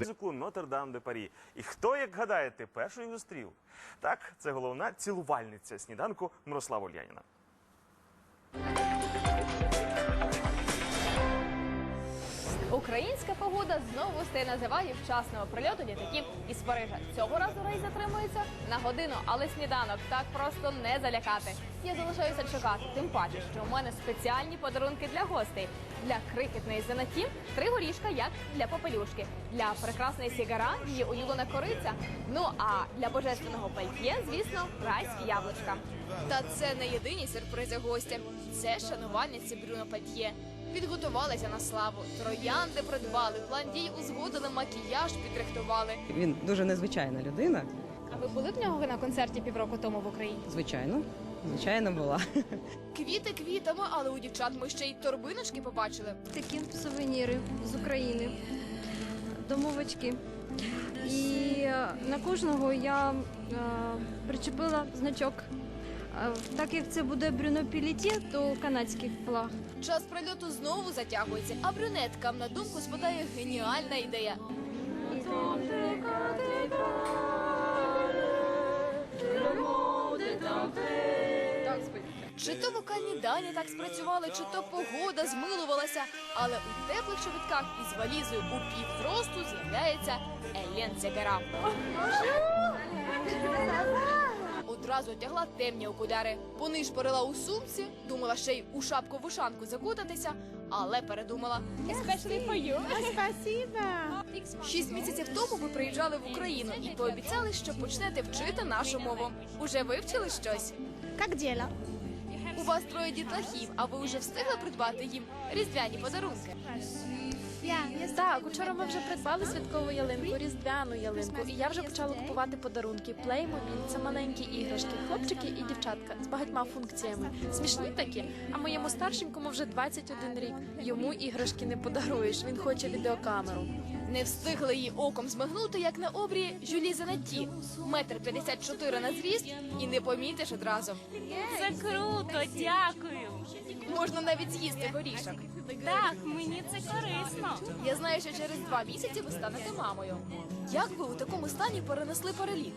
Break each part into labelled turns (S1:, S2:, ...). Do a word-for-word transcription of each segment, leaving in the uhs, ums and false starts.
S1: мюзиклу «Нотр-Дам-де-Парі». І хто, як гадаєте, першою зустрів? Так, це головна цілувальниця сніданку Мирослава Ульяніна.
S2: Українська погода знову стає на заваді вчасного прильоту літаків із Парижа. Цього разу рейс затримується на годину, але сніданок так просто не залякати. Я залишаюся чекати, тим паче, що у мене спеціальні подарунки для гостей. Для крихітної Зенатім три горішка, як для попелюшки. Для прекрасної Сігара її улюблена кориця. Ну а для божественного пальтє, звісно, райські яблучка. Та це не єдині сюрпризи гостя. Це шанувальниці Брюно Пальтє. Підготувалися на славу, троянди придбали, план дій узгодили, макіяж підрихтували.
S3: Він дуже незвичайна людина.
S2: А ви були в нього на концерті півроку тому в Україні?
S3: Звичайно, звичайно була.
S2: Квіти квітами, але у дівчат ми ще й торбиночки побачили.
S4: Такі сувеніри з України, домовочки. І е, на кожного я е, причепила значок. Е, Так як це буде Брюно Пальтє, то канадський флаг.
S2: Час прильоту знову затягується, а брюнеткам на думку спадає геніальна ідея. Чи то вокальні дані так спрацювали, чи то погода змилувалася, але у теплих чобітках із валізою у півзросту з'являється Елен Сегара. Одразу одягла темні окуляри, понишпорила у сумці, думала ще й у шапку-вушанку закутатися, але передумала. Especially for you. Шість місяців тому ви приїжджали в Україну і пообіцяли, що почнете вчити нашу мову. Уже вивчили щось?
S4: Як діла?
S2: У вас троє дітлахів, а ви вже встигли придбати їм різдвяні подарунки?
S5: Так, учора ми вже придбали святкову ялинку, різдвяну ялинку, і я вже почала купувати подарунки. Playmobil – це маленькі іграшки, хлопчики і дівчатка з багатьма функціями. Смішні такі, а моєму старшенькому вже двадцять один рік. Йому іграшки не подаруєш, він хоче відеокамеру.
S2: Не встигли її оком змигнути, як на обрії Жюлі Зенатті. Метр п'ятдесят чотири на зріст і не помітиш одразу.
S6: Це круто, дякую.
S2: Можна навіть з'їсти горішок.
S6: Так, мені це корисно.
S2: Я знаю, що через два місяці ви станете мамою. Як ви у такому стані перенесли переліт?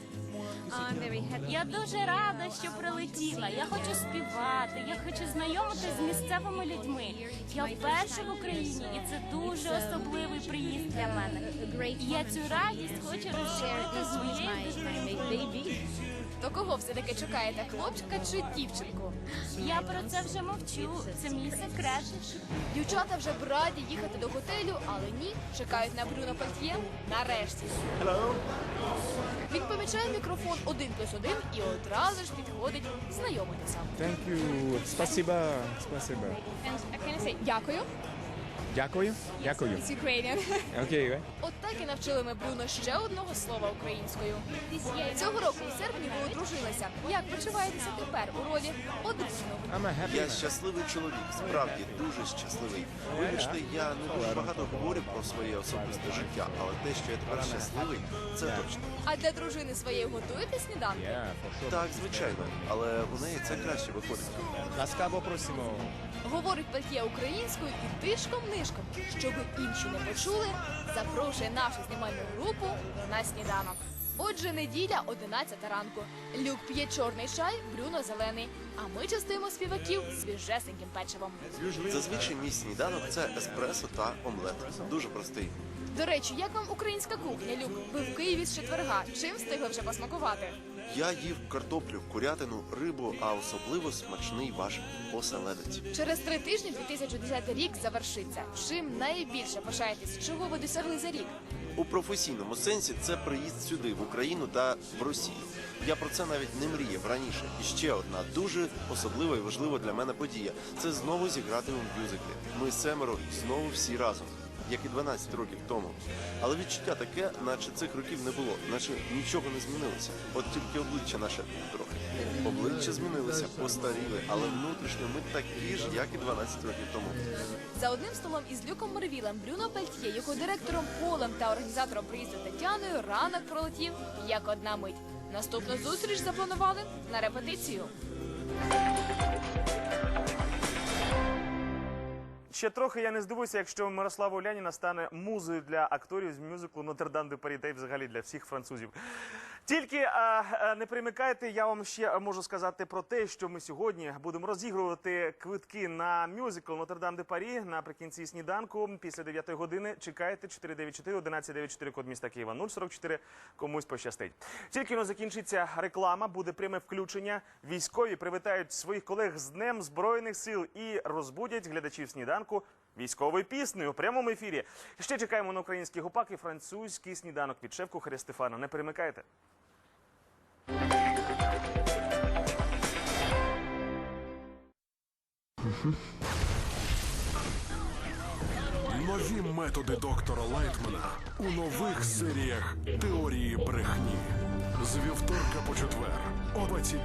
S6: Я дуже рада, що прилетіла. Я хочу співати, я хочу знайомитися з місцевими людьми. Я вперше в Україні, і це дуже особливий приїзд для мене. І я цю радість хочу розширити з моєю дитиною.
S2: То кого все-таки чекаєте, хлопчика чи дівчинку?
S6: Я про це вже мовчу, це мій секрет.
S2: Дівчата вже б раді їхати до готелю, але ні, чекають на Брюно Пальтє нарешті.
S1: Hello.
S2: Він помічає мікрофон один плюс один і одразу ж підходить знайомитися.
S7: Thank you. Спасибо. Спасибо.
S2: Дякую.
S7: Дякую. Дякую.
S2: It's Ukrainian.
S7: Окей.
S2: От так і навчили ми Брюно ще одного слова українською. Цього року у серпні ви одружилися. Як почуваєтеся тепер у ролі одруженого?
S7: I'm a happy
S8: Я
S7: man.
S8: щасливий чоловік, справді дуже щасливий. Вибачте, я не дуже багато говорю про своє особисте життя, але те, що я тепер щасливий, це точно.
S2: А для дружини своєї готуєте сніданки?
S7: Yeah, for sure.
S8: Так, звичайно, але у неї це краще виходить.
S7: Ласкаво просимо.
S2: Говорить Пальтє українською і тишком-нишком, щоб інші не почули, запрошує нашу знімальну групу на сніданок. Отже, неділя, одинадцята ранку. Люк п'є чорний чай, Брюно зелений. А ми частуємо співаків свіжесеньким печивом.
S8: Зазвичай мій сніданок це еспресо та омлет. Дуже простий.
S2: До речі, як вам українська кухня, Люк? Ви в Києві з четверга. Чим встигли вже посмакувати?
S8: Я їв картоплю, курятину, рибу, а особливо смачний ваш оселедець.
S2: Через три тижні дві тисячі десятий рік завершиться. Чим найбільше пишаєтесь? Чого ви досягли за рік?
S8: У професійному сенсі це приїзд сюди, в Україну та в Росію. Я про це навіть не мріяв раніше. І ще одна дуже особлива і важлива для мене подія – це знову зіграти у мюзиклі. Ми семеро знову всі разом, як і дванадцять років тому. Але відчуття таке, наче цих років не було, наче нічого не змінилося. От тільки обличчя наше трохи. Обличчя змінилися, постаріли, але внутрішньо ми такі ж, як і дванадцять років тому.
S2: За одним столом із Люком Морвілем, Брюно Пальтє, його директором Полем та організатором приїзду Тетяною ранок пролетів як одна мить. Наступну зустріч запланували на репетицію.
S1: ще трохи я не здивуюся, якщо Мирослава Уляніна стане музою для акторів з мюзиклу «Нотр-Дам де Парі» та й взагалі для всіх французів. Тільки а, а, не примикайте, я вам ще можу сказати про те, що ми сьогодні будемо розігрувати квитки на мюзикл «Нотр-Дам де Парі» наприкінці сніданку. Після дев'ятої години чекайте чотири дев'ять чотири одинадцять дев'ять чотири, код міста Києва нуль сорок чотири, комусь пощастить. Тільки но закінчиться реклама, буде пряме включення. Військові привітають своїх колег з Днем Збройних сил і розбудять глядачів сніданку військовою піснею у прямому ефірі. Ще чекаємо на український гупак і французький сніданок від шеф-кухаря Стефана. Не перемикайте.
S9: Нові методи доктора Лайтмана у нових серіях «Теорії брехні». З вівторка по четвер о двадцять